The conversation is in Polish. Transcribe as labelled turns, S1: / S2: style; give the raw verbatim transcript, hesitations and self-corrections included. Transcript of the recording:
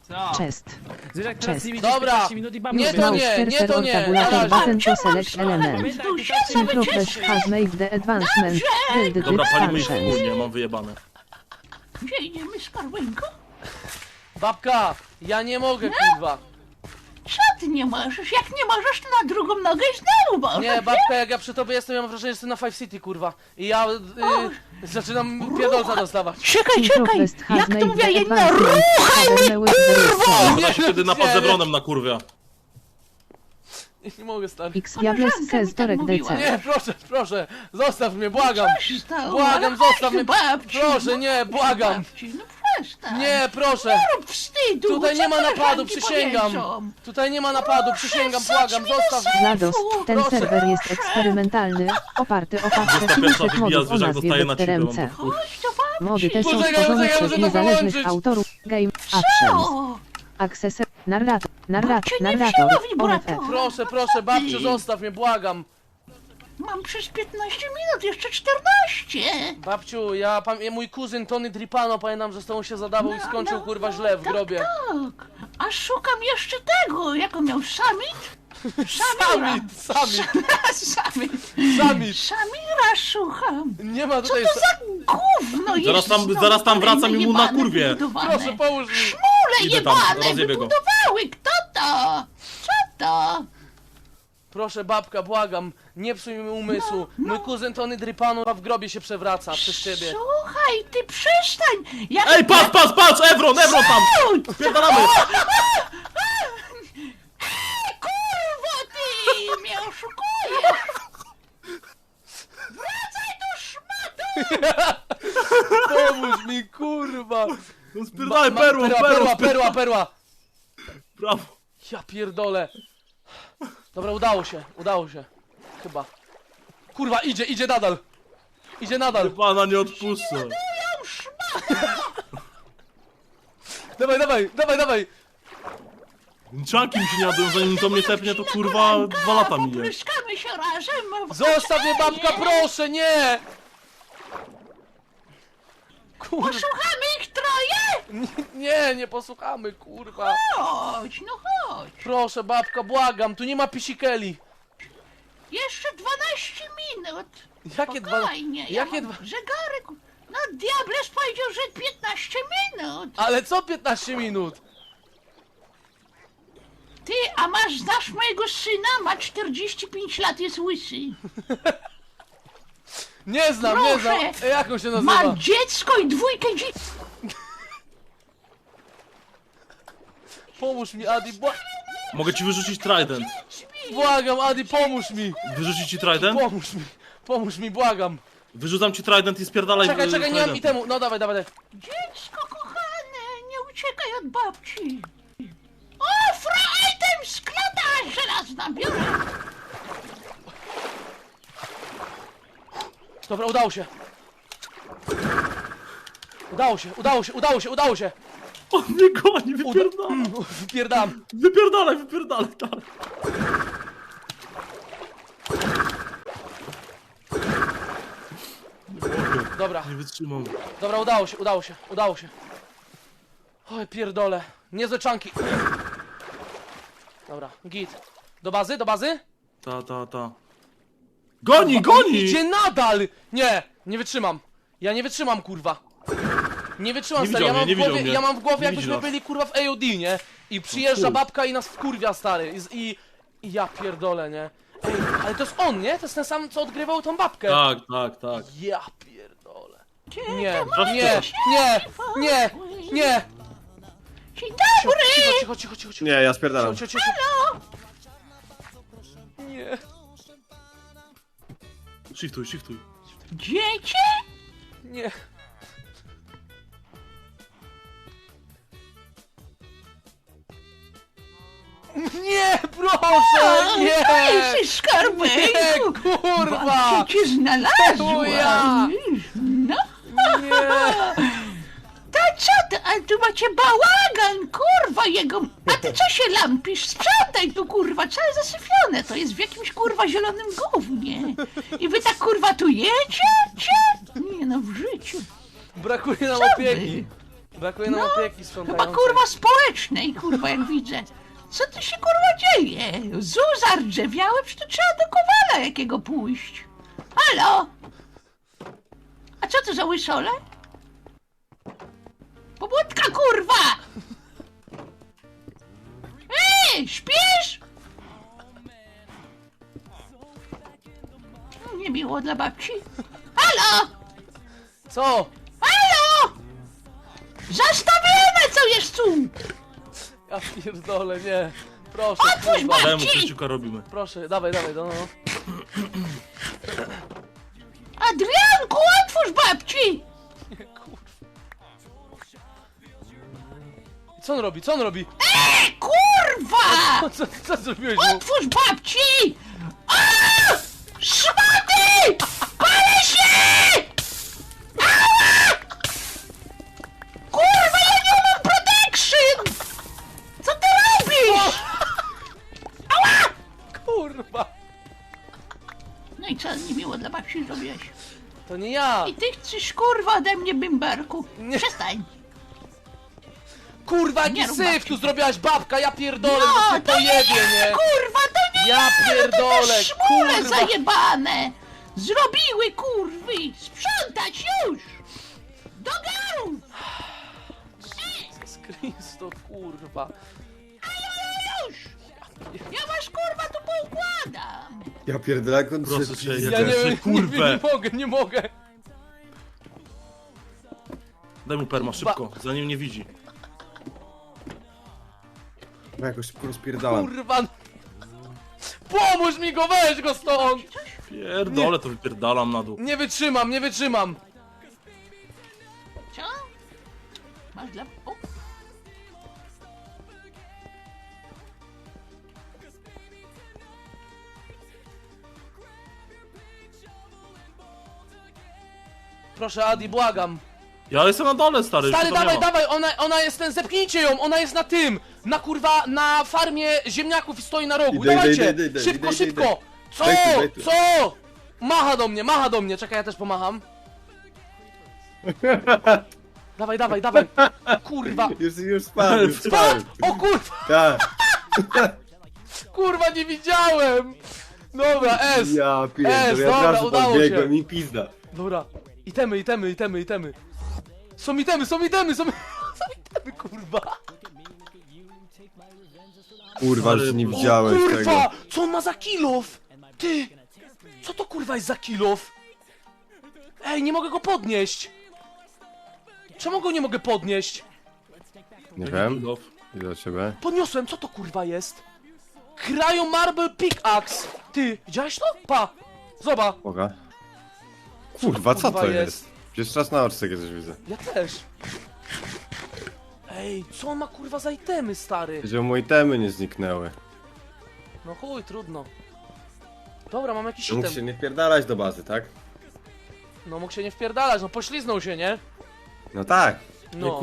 S1: Co?
S2: Chest.
S3: Zwierzak teraz
S2: Cześć.
S3: nie widzisz
S4: Dobra.
S3: piętnaście minut i babci
S4: Nie, to nie, nie, to nie. Na
S2: Tabulator
S4: razie.
S2: button to select element.
S3: Pamiętaj,
S1: Tu
S3: piętnaście
S1: siedzę,
S3: minut
S2: Progress
S1: wycieczki.
S2: has made the advancement. Build the
S5: Dobra, palimy ich
S2: functions.
S5: wspólnie, mam wyjebane.
S1: Gdzie idziemy z Karłynką?
S4: Babka, ja nie mogę, kurwa.
S1: Co ty nie możesz? Jak nie możesz, to na drugą nogę i znowu możesz.
S4: Nie, babka, jak ja przy tobie jestem, ja mam wrażenie, że jestem na Five City, kurwa. I ja y, zaczynam pierdolca dostawać.
S1: Czekaj, czekaj!
S2: Progress has
S1: Jak to
S2: made
S1: mówię,
S2: the
S1: jedna
S2: advancement. Cover with the
S4: kurwa!
S5: Ona się wtedy napad
S4: nie,
S5: z Ebronem na kurwia.
S4: Nie mogę, stary.
S2: X Diables
S1: Koleżanka mi
S2: says
S1: tak
S2: Torek
S1: mówiła.
S2: D C.
S4: Nie, proszę, proszę, zostaw mnie, błagam.
S1: Co się stało?
S4: Błagam,
S1: Ale
S4: zostaw
S1: chodź
S4: mnie.
S1: tu, babci.
S4: Proszę, nie, błagam.
S1: Babci, no przestań.
S4: Nie, proszę.
S1: Nie rób wstydu.
S4: Tutaj
S1: co
S4: nie ma napadu,
S1: koleżanki
S4: przysięgam.
S1: powiedzą?
S4: Tutaj nie ma napadu, przysięgam,
S1: Proszę,
S4: błagam,
S1: wsadź mi do
S4: zostaw.
S2: GLaDOS, ten
S4: Proszę.
S2: serwer jest eksperymentalny, oparty o paczkę
S5: Dwusta pierwsza
S2: kilkuset
S5: wybija,
S2: modów o
S5: zwierzak
S2: nazwie
S5: dostaje na
S2: Doktor
S5: cipę,
S2: M C.
S5: mam to w chuj.
S1: Chodź do babci.
S2: Mody te są
S4: Poczekaj,
S2: stworzone
S4: poczekaj,
S2: przez
S4: muszę to
S2: niezależnych
S4: wyłączyć.
S2: autorów Game Actions.
S1: Co?
S2: Accessor, narrator, narrator,
S1: Babcia nie
S2: narrator,
S1: wzięła
S2: O F
S1: wibratora.
S2: F.
S4: Proszę, proszę, babciu, zostaw mnie, błagam.
S1: Mam przez piętnaście minut, jeszcze czternaście.
S4: Babciu, ja, pam- ja mój kuzyn Tony Dripano, pamiętam, że z tobą się zadawał i skończył, kurwa, źle w
S1: tak,
S4: grobie.
S1: Tak, a szukam jeszcze tego, jak on miał, summit?
S4: Samit, samit,
S1: Summit.
S4: samit.
S1: Samira szukam.
S4: Nie ma
S1: Co
S4: tutaj...
S1: to za gówno jest?
S5: Zaraz tam-
S1: znowu
S5: zaraz tam
S1: kolejne
S5: wracam i mu na
S1: jebane
S5: kurwie.
S1: wybudowane?
S4: Proszę, połóż mi.
S1: Szmule
S5: Idę tam,
S1: jebane
S5: rozjebię go.
S1: wybudowały, kto to? Co to?
S4: Proszę, babka, błagam, nie psuj mi umysłu. Mój kuzyn Tony Dripano w grobie się przewraca przez ciebie.
S1: Słuchaj, ty przestań! Jak
S5: Ej, patrz, patrz, patrz! Ebron, Ebron tam! Pierdalamy!
S1: Kurwa ty mnie oszukujesz! Wracaj do szmatu!
S4: Pomóż mi, kurwa.
S5: No spierdalaj,
S4: Ma-
S5: perło,
S4: perła,
S5: perło,
S4: perła, perła, perła.
S5: Brawo.
S4: Ja pierdolę. Dobra, udało się, udało się. Chyba. Kurwa, idzie, idzie nadal. Idzie nadal.
S5: Pana nie odpuszczę.
S4: Dawaj, dawaj, dawaj, dawaj.
S5: Czanki mi się nie jadą, zanim to mnie tepnie, to kurwa dwa lata minie.
S1: Popryskamy się razem w
S4: Zostaw mnie, babka,
S1: basenie.
S4: proszę, nie. Kurwa,
S1: Posłuchamy ich troje?
S4: nie, nie posłuchamy, kurwa.
S1: Chodź, no chodź.
S4: Proszę, babka, błagam, tu nie ma pisikeli.
S1: Jeszcze dwanaście minut.
S4: Jakie dwa...
S1: Spokojnie, ja
S4: Jakie
S1: mam
S4: dwa...
S1: zegarek. No diables powiedział, że piętnaście minut.
S4: Ale co piętnaście minut?
S1: Ty, a masz, znasz mojego syna? Ma czterdzieści pięć lat, jest łysy.
S4: Nie znam, nie znam.
S1: Proszę.
S4: E, Jak on się nazywa?
S1: Ma dziecko i dwójkę dzieci.
S4: Pomóż mi, Adi, bła...
S5: Mogę ci wyrzucić trident.
S4: błagam, Adi, pomóż mi.
S5: Wyrzucić ci trident?
S4: Pomóż mi, pomóż mi, błagam.
S5: Wyrzucam ci trident i spierdalaj.
S4: Czekaj,
S5: y,
S4: czekaj, nie mam
S5: tridentem.
S4: itemu. No dawaj, dawaj, dawaj.
S1: Dziecko kochane, nie uciekaj od babci. O, fra item, sklata żelazna, biorę.
S4: Dobra, udało się. Udało się, udało się, udało się, udało się.
S5: On mnie goni, wypierdalaj.
S4: Wypierdam.
S5: Wypierdalaj, wypierdalaj, dalej.
S4: Dobra,
S5: Nie wytrzymam.
S4: dobra, udało się, udało się, udało się. Oj, pierdolę. Niezłe czanki. Dobra, git. Do bazy, do bazy?
S5: Ta, ta, ta. Goni, goni!
S4: Idzie nadal! Nie, nie wytrzymam. Ja nie wytrzymam, kurwa. Nie wytrzymam,
S5: Nie
S4: stary. Ja
S5: widział
S4: mam,
S5: mnie,
S4: w
S5: nie
S4: głowie,
S5: widział mnie.
S4: ja mam w głowie,
S5: Nie
S4: jakbyśmy
S5: widzi nas.
S4: byli, kurwa, w A O D, nie? I przyjeżdża
S5: chuj.
S4: babka i nas wkurwia, stary. I, i, I ja pierdolę, nie? Ej, ale to jest on, nie? To jest ten sam, co odgrywał tą babkę.
S5: Tak, tak, tak.
S4: Ja pierdolę. Nie,
S5: Proszę,
S4: nie, nie, nie, nie.
S1: Dzień
S4: Cicho,
S1: dobry.
S4: cicho, cicho, cicho, cicho.
S6: Nie, ja spierdalam.
S4: Cicho, cicho, cicho. Nie.
S5: Shiftuj, shiftuj.
S1: Dziecię?
S4: Nie. Nie, proszę, nie!
S1: Ej, skarbejku.
S4: Nie, kurwa!
S1: Babcia cię znalazła.
S4: To ja.
S1: No,
S4: Nie!
S1: to co ty? A tu macie bałagan, kurwa jego. A ty co się lampisz? Sprzątaj tu, kurwa, całe zasyfione. To jest w jakimś, kurwa, zielonym gównie. I wy tak, kurwa, tu jecie? Cie? Nie no, w życiu.
S4: Brakuje nam
S1: Co
S4: opieki.
S1: wy?
S4: Brakuje nam
S1: No,
S4: opieki
S1: Chyba
S4: sprzątającej.
S1: kurwa społecznej, kurwa, jak widzę. Co tu się kurwa dzieje? Zu zardzewiały, przecież to trzeba do Kowala jakiego pójść. Halo? A co to za łysole? Pobudka, kurwa! Ej, śpisz? Niemiło dla babci. Halo?
S4: Co?
S1: Halo? Zastawione co jest tu!
S4: Ja pierdolę, nie. Proszę,
S1: Otwórz
S4: kurwa.
S1: babci!
S5: Dajmy Krzysiuka robimy.
S4: Proszę, dawaj, dawaj, no, no.
S1: Adrianku, otwórz babci!
S4: Kurwa. Co on robi, co on robi?
S1: E, kurwa!
S4: Co, co, co zrobiłeś mu?
S1: Otwórz babci! A! Szmaty! Palę się! Ała! Kurwa, ja nie mam protection! Co ty robisz?
S4: Kurwa.
S1: No i co, niemiło dla babci zrobiłeś?
S4: To nie ja.
S1: I ty chcesz, kurwa, ode mnie bimberku.
S4: Nie.
S1: Przestań.
S4: Kurwa,
S1: Nie
S4: jaki
S1: rób
S4: syf
S1: babci.
S4: tu zrobiłaś, babka, ja pierdolę,
S1: No,
S4: no,
S1: to
S4: to
S1: nie
S4: pojebie,
S1: ja,
S4: nie?
S1: kurwa, to nie
S4: Ja
S1: ja, no to
S4: pierdolę,
S1: te szmule
S4: kurwa.
S1: zajebane! Zrobiły, kurwy! Sprzątać już! Do garów!
S4: Kristo, kurwa.
S1: Już! Ja was, kurwa, tu poukładam!
S3: Ja pierdolę, jak on
S5: Proszę
S3: się-
S5: cię,
S4: Ja
S5: jak
S4: nie,
S5: się
S4: nie,
S5: kurwę.
S4: nie, nie mogę, nie mogę.
S5: Daj mu perma szybko, zanim nie widzi.
S3: Ja jakoś szybko rozpierdalam.
S4: Kurwa. Pomóż mi go, weź go stąd.
S5: Pierdolę, to wypierdalam na dół.
S4: Nie wytrzymam, nie wytrzymam.
S1: Co? Masz dla... O.
S4: Proszę, Adi, błagam.
S5: Ja jestem na dole, stary.
S4: Stary,
S5: już to
S4: dawaj,
S5: nie ma.
S4: dawaj, ona, ona jest ten, zepchnijcie ją, ona jest na tym, na kurwa, na farmie ziemniaków i stoi na rogu,
S3: Idę,
S4: dawajcie,
S3: idę, idę, idę,
S4: szybko,
S3: idę, idę,
S4: szybko, co,
S3: Daj tu, daj tu.
S4: co, macha do mnie, macha do mnie, czekaj, ja też pomacham. Dawaj, dawaj, dawaj, kurwa,
S3: Już, już spadł, już
S4: spadł,
S3: spadł.
S4: o kurwa,
S3: Tak.
S4: kurwa, nie widziałem, dobra, S,
S3: Ja
S4: Es,
S3: pierdolę, ja
S4: dobra,
S3: od razu
S4: udało
S3: podbiegłem
S4: się.
S3: i pizda.
S4: dobra, itemy, itemy, itemy, itemy, są itemy, są itemy, są, są itemy, kurwa.
S3: Kurwa,
S5: Stary,
S3: już nie
S5: o
S3: widziałeś
S4: Kurwa!
S3: tego.
S4: Co on ma za kilof? Ty! Co to kurwa jest za kilof? Ej, nie mogę go podnieść! Czemu go nie mogę podnieść?
S3: Nie wiem,
S5: Kilof.
S3: idę do ciebie.
S4: Podniosłem, co to kurwa jest? Cryo Marble Pickaxe! Ty, widziałeś to? Pa! Zobacz,
S3: Mogę? Kurwa, co
S4: kurwa
S3: to
S4: jest?
S3: jest? Jeszcze raz na oczy takie coś widzę.
S4: ja też. Ej, co on ma kurwa za itemy, stary?
S3: Że moje temy nie zniknęły.
S4: No chuj, trudno. Dobra, mam jakiś
S3: Mógł
S4: item.
S3: się nie wpierdalać do bazy, tak?
S4: No mógł się nie wpierdalać, no pośliznął się, nie?
S3: No tak.
S4: No.